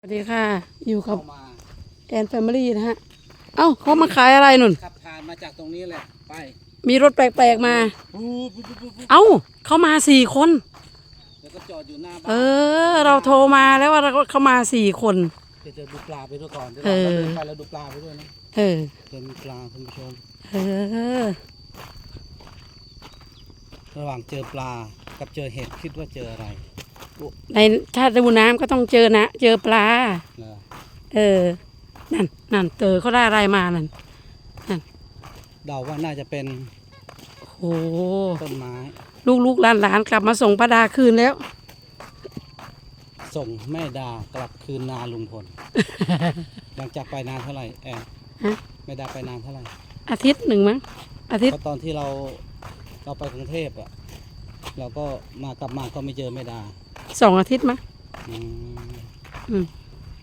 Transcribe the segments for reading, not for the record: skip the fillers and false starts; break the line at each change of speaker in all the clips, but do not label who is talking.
สวัสดีค่ะอยู่กับ
เข้ามา
แอนแฟมิลี่นะฮะเอ้าเขามาขายอะไรนุ่น
ขับผ่านมาจากตรงนี้แหละไป
มีรถแปลกๆมาเอ้าเขามา4 คน
แล้วก็จอดอยู่หน้าบ้า
เอน เราโทรมาแล้วว่าเขามา4 คน
เดี๋ยวจะดูปลาไปด้วยก่อนเดี๋ยว
เอ
เรา
อ
เดินไปแล้วดูปลาไปด้วยนะ
เออ
เดินมีปลาคุณผู้ชม
เออ
ระหว่างเจอปลากับเจอเห็ดคิดว่าเจออะไร
ในถ้าดูน้ำก็ต้องเจอนะเจอปลา
เหรอ
เออนั่นเตอเขาได้อะไรมานั่น
เดาว่าน่าจะเป็น
โอ้โห
ต้นไม้
ลูกหลานกลับมาส่งป้าดาคืนแล้ว
ส่งแม่ดากลับคืนนาลุงพ ล หลังจากไปนานเท่าไหร่แอน
ฮะ
แม่ดาไปนานเท่าไหร่
อาทิตย์หนึ่งมั้งอาทิต
เพ
ย์
ราะตอนที่เราไปกรุงเทพอ่ะเราก็กลับมาก็ไม่เจอแม่ดา
2 อาทิตย์มั้ง
อืม
อืม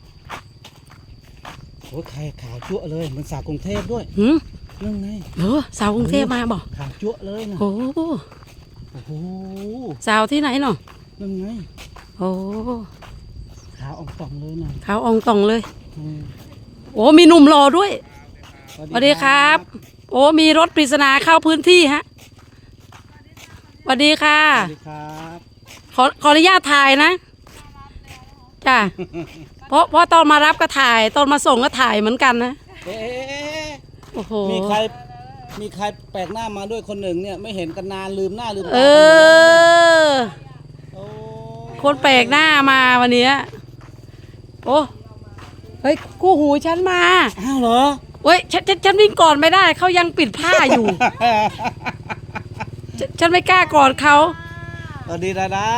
โอ้ยไข่ขาวจั่วเลยเหมันสาวกรุงเทพด้วย
หืม
นั่นไง
เหรอสาวกรุงเทพมาบอก
ขาวจั่วเลยนะ
โอ้
โอ้โห
สาวที่ไหนเนาะ
นั่นไง
โอ้
ขาวอ่องป่องเลยนะ
ขาวอองตองเลย
อืม
โอ้มีหนุ่มรอด้วยสวัสดีครับ โอ้มีรถปริศนาเข้าพื้นที่ฮะสวัสดีค่ะ
สวัสดีครับ
ขออนุญาตถ่ายนะจ้ะเพราะตอนมารับก็ถ่ายตอนมาส่งก็ถ่ายเหมือนกันนะ
เอ๊ะ
โอ้โห
มีใครแปลกหน้ามาด้วยคนหนึ่งเนี่ยไม่เห็นกันนานลืมหน้าลืมตา
เออ
โอ้
คนแปลกหน้ามาวันเนี้ยโอ้เฮ้ยกู้หูฉันมา
อ้าวเหรอ
เว้ยฉันวิ่งก่อนไม่ได้เขายังปิดผ้าอยู่ ฉันไม่กล้ากอดเขา
สวัสดีดาดา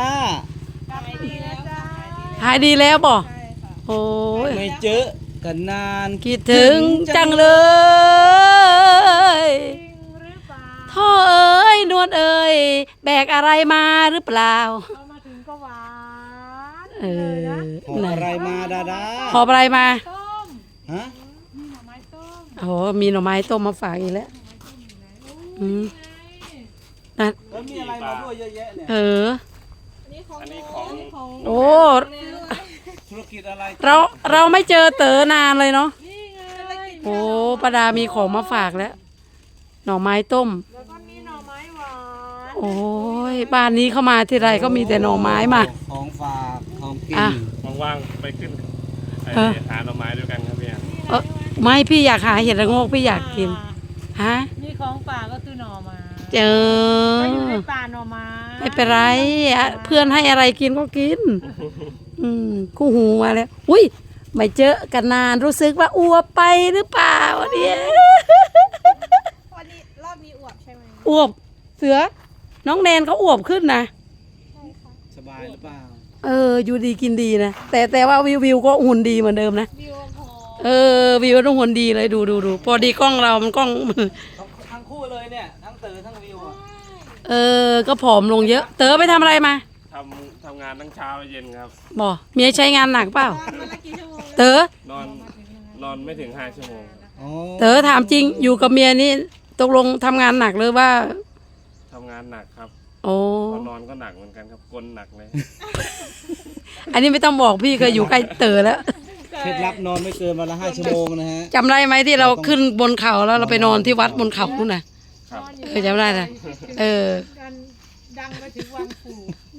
หายดีแล้วบ่โอ้ย
ไม่เจอกันนาน
คิดถึงจังเลยท่อเอ้ยนวลเอ้ยแบกอะไรมาหรือเปล่า
เรามาถึงก็หวาน
เออ
หอบอะไรมาดาดา
หอบอะไรมา
ต้ม
ฮะ
มีหน่อไม้ต้ม
โอ้โหมีหน่อไม้ต้มมาฝากอีกแล้วอืมนั่น
แล้วมีอะไรมาด้วยเยอะแยะเนี่ย
เออ
อันนี้ของ
โอ้
ธุรกิจอะไร
เราไม่เจอเต๋อนานเลยเนาะ
นี่ไง
โอ้ป้าดามีของมาฝากแล้ว หน่อไม้ต้ม
แล้วก็มีหน่อไม้หวาน
โอ้ยบ้านนี้เข้ามาทีไรก็มีแต่หน่อไม้มา
ของฝากของกิน
อ่ะ
ว่างๆไปขึ้นไอ้
เออ
หาหน่อไม้ด้วยกันครับพี่แอน
เออไม่พี่อยากหาเห็ดระโงกพี่อยากกินฮะ
นี่ของป่าก็คือหน่อไม้
เจอ
ก็อยู่ในป่าหน่อไม้
ไม่เป็นไรอ่ะเพื่อนให้อะไรกินก็กิน คู่หูมาแล้ว อุ้ยไม่เจอกันนานรู้สึกว่าอ้วบไปหรือเปล่าเนี่ย
วันนี้รอบนี้อวบใช่ไหม
อ้วบเสือ น้องแนนเขาอ้วบขึ้นนะ
ใช่ค่ะ
สบายหรือเปล่า
อยู่ดีกินดีนะแต่ว่าวิวก็หุ่นดีเหมือนเดิมนะ
วิวพอ
วิวต้องหุ่นดีเลยดูพอดีกล้องเรามันกล้อง
ทั้งคู่เลยเนี่ยทั้งเต๋อทั้งวิวอ่ะ
ก็ผอมลงเยอะ เต๋อไปทำอะไรมา
ทำงานทั้งเช้าและเย็นครับ
บอกเมียใช้งานหนักเปล่า
วันละกี่ชั่วโมง
เต๋อน
อนไม่ถึง5 ชั่วโมงครับ
อ๋อ
เต๋อถามจริงอยู่กับเมียนี่ตกลงทำงานหนักหรือว่า
ทำงานหนักครับ
โอ้
พอนอนก็หนักเหมือนกันครับกลนหนักเลย
อันนี้ไม่ต้องบอกพี่เคยอยู่ใกล้เต๋อแล้ว
เคล็ดลับนอนไม่เกินวันละ5 ชั่วโมงนะฮะ
จำได้ไหมที่เราขึ้นบนเขาแล้วเราไปนอนที่วัดบนเขานู่นน่ะ
ครับ
จำได้นะ
กันดังไปถึงวังปู่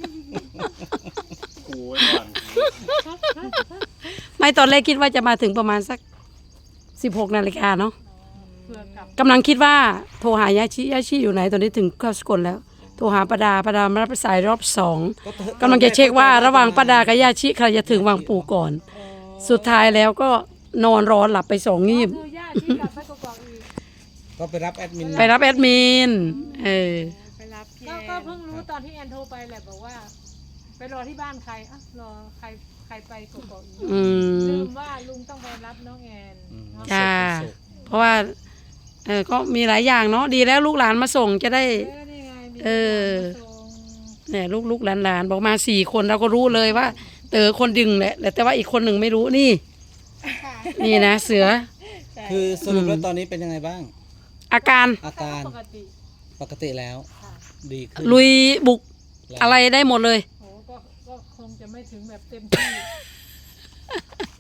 ครูไว้ก่อน
ไม่ตอนแรกคิดว่าจะมาถึงประมาณสัก16 นาฬิกาเนาะ
เพื่อกลับ
กำลังคิดว่าโทรหายาชิอยู่ไหนตอนนี้ถึงเข้าสกลแล้วโทรหาป้าดามารับสายรอบ2กำลังจะเช็คว่าระหว่างป้าดากับยาชิใครจะถึงวังปู่ก่อน สุดท้ายแล้วก็นอนรอหลับไป2 งีบ
คือย่าที่กลับไปกอกๆอีก
ก็ไปรับแอดมิน
ไปรับแอดมิน
ไปรับพี่
ก็เพิ่งรู้ตอนที่แอนโทรไปแหละบอกว่า ไปรอที่บ้านใครอ่ะรอใครไปกอกๆอีก
อื
ลื
ม
มว่าลุงต้องไปรับน้องแอนเนาะ
จ้าเพราะว่าก็มีหลายอย่างเนาะดีแล้วลูกหลานมาส่งจะได้
นี่ไงมี
เออ
คนมาส่ง
เนี่ยลูกหลานบอกมา4 คนเราก็รู้เลยว่า เต๋อคนดึงแหละแต่ว่าอีกคนหนึ่งไม่รู้นี่ นี่นะเสือ
คือสรุปแล้วตอนนี้เป็นยังไงบ้าง
อาการ
อาการ
ปกติ
ปกติแล้ว ดีขึ้น
ลุยบุก
แล้ว
อะไรได้หมดเลย
โอ้ก็คงจะไม่ถึงแบบเต็มที่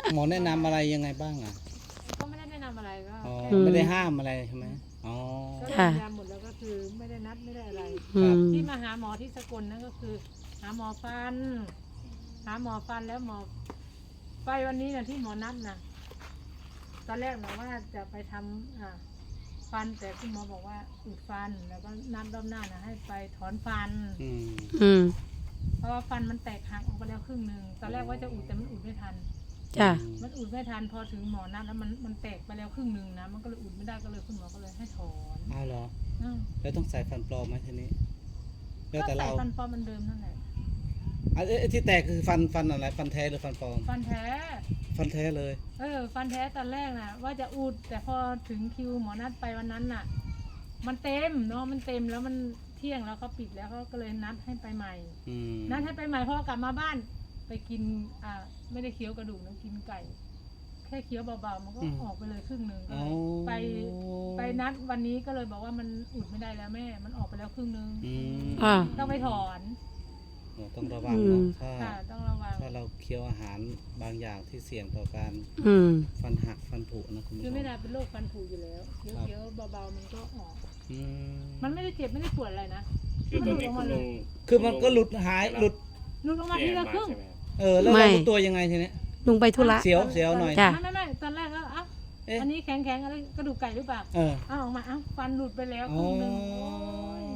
หมอแนะนำอะไรยังไงบ้างอ่ะ
ก็ไม่ได้แนะนำอะไรก็
อ๋อ
แค่
ไม่ได้ห้ามอะไรใช่ไหมอ๋อ
ก็
ค่ะ
ยืนยันหมดแล้วก็คือไม่ได้นัดไม่ได้อะไร
อืม
ที่มาหาหมอที่สกลนั่นก็คือ หาหมอฟัน หาหมอฟันแล้วหมอไปวันนี้นะที่หมอนัดนะตอนแรกนะว่าจะไปทำฟันแต่คุณหมอบอกว่าอุดฟันแล้วก็นัดรอบหน้านะให้ไปถอนฟัน
อืม
อืม
เพราะว่าฟันมันแตกหักออกไปแล้วครึ่งหนึ่งตอนแรกว่าจะอุดแต่มันอุดไม่ทัน
จ้ะ
มันอุดไม่ทันพอถึงหมอนัดแล้วมันแตกไปแล้วครึ่งหนึ่งนะมันก็เลยอุดไม่ได้ก็เลยคุณหมอก็เลยให้ถอน
อ้าวเหรอ
อืม
แล้วต้องใส่ฟันปลอมไหมทีนี้แล้ว
ก็
แต่
ใส่
เรา
ฟันปลอมเหมันเดิมนั่นแหละ
ไอ้ที่แตกคือฟันอะไรฟันแท้หรือฟันปลอม
ฟันแท้
ฟันแท้เลย
ฟันแท้ตอนแรกนะว่าจะอุดแต่พอถึงคิวหมอนัดไปวันนั้นน่ะ มันเต็มเนาะมันเต็มแล้วมันเที่ยงแล้วเขาปิดแล้วเขาก็เลยนัดให้ไปใหม่
อืม
นัดให้ไปใหม่เพราะว่ากลับมาบ้านไปกินไม่ได้เคี้ยวกระดูกนะกินไก่ แค่เคี้ยวเบาๆมันก็ออกไปเลยครึ่งหนึ่งก็
อ๋อ
เลยไปนัดวันนี้ก็เลยบอกว่ามันอุดไม่ได้แล้วแม่ มันออกไปแล้วครึ่งหนึง
อืม
อ่า
ต้องไปถอน
โอ้ต้องระวังเนาะถ้า
ค่ะต้องระวัง
ถ้าเราเคี้ยวอาหารบางอย่างที่เสี่ยงต่อการ
อืม
ฟันหักฟันผุนะคุณผู้
คื
ช
อ
ม
ไม่ได้เป็นโรคฟันผุอยู่แล้วเคี้ยวๆเบาๆมันก็ออก
อืม
มันไม่ได้เจ็บไม่ได้ปวดอะไรนะ
คือตอนนี้คุณลุง
คือมันก็หลุดหายหลุด
หลุดออกมาทีละครึ่ง
ใช่ไหมครับ
แล้ว
ไม่
เรารู้ตัวยังไงทีเนี้ย
ลุงไปธุระ
เสียวหน่อย
จ้ะ
ไม่ตอนแรกก็เอ้า
เอ๊ะ
อันนี้แข็งๆอะไรกระดูกไก่หรือเปล่า
เออ
เอาออกมาเอ้าฟันหลุดไปแล้วค
อ๋อ
รึ่งหนึงโอ้ย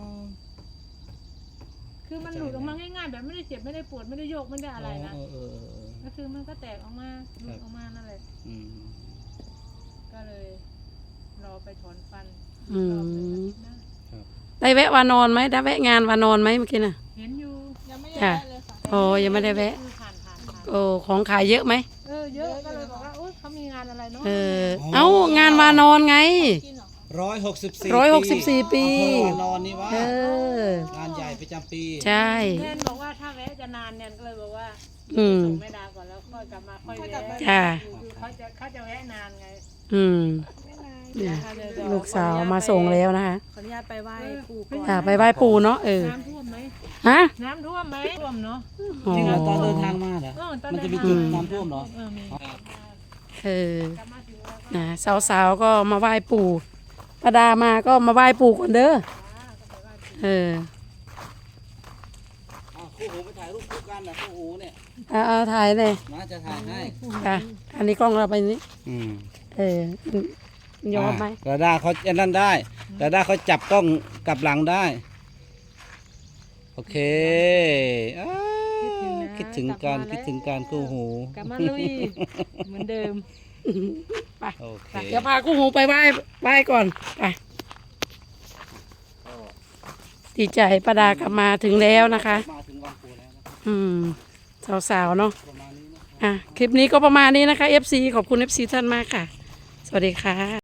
คือมันหลุดออกมาง่ายๆแบบไม่ได้เจ็บไม่ได้ปวดไม่ได้โยกไม่ได้อะไรนะ
เออ
ก็คือมันก็แตกออกมาหลุดออกมานั่นแหละ
อืม
ก็เลยรอไปถอนฟัน
อื
รอบหนึ่ง
ม
อาทิตย์หน้า
ได้แวะวานอนไหมได้แวะงานวานอนไหมเมื่อกี้น่ะ
เห็นอยู่
ยังไม่ได้
ค่ะ
ได้เลยค่ะ
โอ้ยังไม่ได้แวะ
คือผ่าน
โอ้ของขายเยอะไหม
เยอะก็เลยบอกว่าโอ๊ยเขามีงานอะไรเนาะ
เออ เอ้างานวานอนไง
กินเหรอคะ
164
ปี
นอนนี่วะ
เออ
งานใหญ่ประจำปี
ใช่
แนนบอกว่าถ้าแวะจะนานแนนก็เลยบอกว่า
อืม
ส่งแม่ดาก่อนแล้วค่อยกลับมาค่อยแวะ
จ้ะ
คือเขาจะแวะนานไง
อืม
ไม่นาน
เนี่ย
เดี๋ยว
ลูกสาวมาส่งแล้วนะคะ
ขออนุญาตไปไหว้ปู่ก่อน
จ้ะไปไหว้ปู่เนาะเออ
น้ำท่วมไหม
ฮะ
น้ำท่วมไหมท่วมเนาะ
อ๋อ
จริงเหรอตอนเดินทางมาเหรอ
ตอน
มัน
เดิ
จะ
น
มี
ทาง
จุดน้ำท่วมเหรอ
มี
เออ
กลับมาถึงแล้วก็
นะสาวๆก็มาไหว้ปู่ป้าดามาก็มาไหว้ปู่ก่อนเด้อเออ
คู่หูไปถ่ายรูปคู่กันนะคู่หูเนี่ย
เอาถ่ายเลย
มาจะถ่ายให้
ค่ะอันนี้กล้องเราไปนี้
อืม
เออมันยอมไหม
ดาด้าเขาอันนั้นได้ดาด้าเขาจับกล้องกลับหลังได้ โอเคอ้าวคิดถึงการคู่หู
กลับมาลุยเหมือนเดิม
ไป
โอเค
เดี๋ยวพากู้หูไปไหว้ก่อนไปดีใจป้าดากลับมาถึงแล้วนะคะ
มาถึงวังปูแล้วนะครับ
อืมสาวๆเนาะ
ประมาณนี้นะ
คลิปนี้ก็ประมาณนี้นะคะ FC ขอบคุณ FC ท่านมากค่ะ สวัสดีค่ะ